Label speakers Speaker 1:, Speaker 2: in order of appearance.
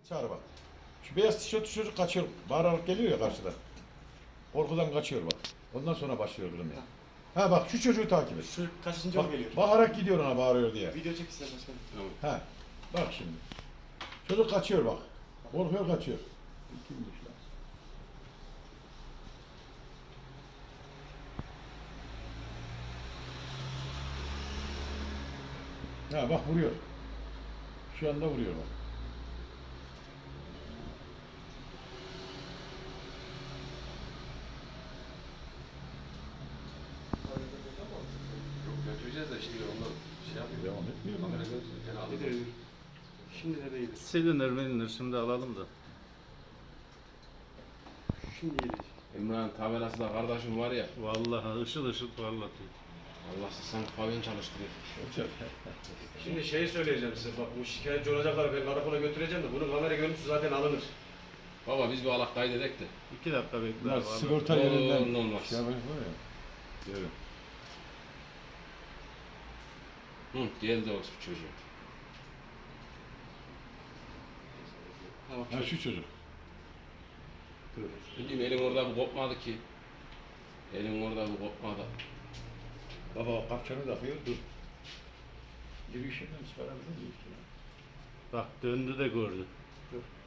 Speaker 1: Çağır bak. Şu beyaz tişörtlü çocuk kaçıyor. Bağırarak geliyor ya karşıdan. Korkudan kaçıyor bak. Ondan sonra başlıyor kızım ya. Ha bak şu çocuğu takip et.
Speaker 2: Şu kaçıncı
Speaker 1: Bak,
Speaker 2: geliyor?
Speaker 1: bağırarak gidiyor ona bağırıyor diye.
Speaker 2: Video çek ister başkanım.
Speaker 3: Tamam.
Speaker 1: Ha. Bak şimdi. Çocuk kaçıyor bak. Korkuyor kaçıyor. Kimmiş lan? Ha bak vuruyor. Şu anda vuruyor bak.
Speaker 3: Yok götüreceğiz de şimdi ondan şey yapıyor.
Speaker 1: Devam etmiyor mu?
Speaker 3: Kamera götürürken aldım.
Speaker 2: Nedir? Şimdi de değil.
Speaker 4: Silinir milinir şimdi alalım da.
Speaker 2: Şimdi gelecek.
Speaker 3: İmran tabelası da kardeşim var ya.
Speaker 4: Vallahi ışıl ışıl parlatıyor.
Speaker 3: Allah'sız sanki pavyon çalıştırıyor.
Speaker 5: Şimdi şeyi söyleyeceğim size bak bu şikayetçi olacaklar ben karakola götüreceğim de bunun kamera görüntüsü zaten alınır.
Speaker 3: Baba biz bir alak kaydedek de.
Speaker 4: 2 dakika bekle
Speaker 1: Bunlar
Speaker 4: abi.
Speaker 1: sigorta
Speaker 3: Oo,
Speaker 1: yerinden
Speaker 3: olmaz.
Speaker 1: şey yapacak var ya. Evet.
Speaker 3: Hı, geldi o çocuğu.
Speaker 2: Tamam.
Speaker 1: Ha şu çocuk.
Speaker 3: Bildiğim elim orada bir kopmadı ki. Elim orada bir kopmadı.
Speaker 1: Baba o kapçanı takıyor dur. Yürüyüşünden çıkarabilir miyiz?
Speaker 4: Bak döndü de gördü.
Speaker 2: Dur.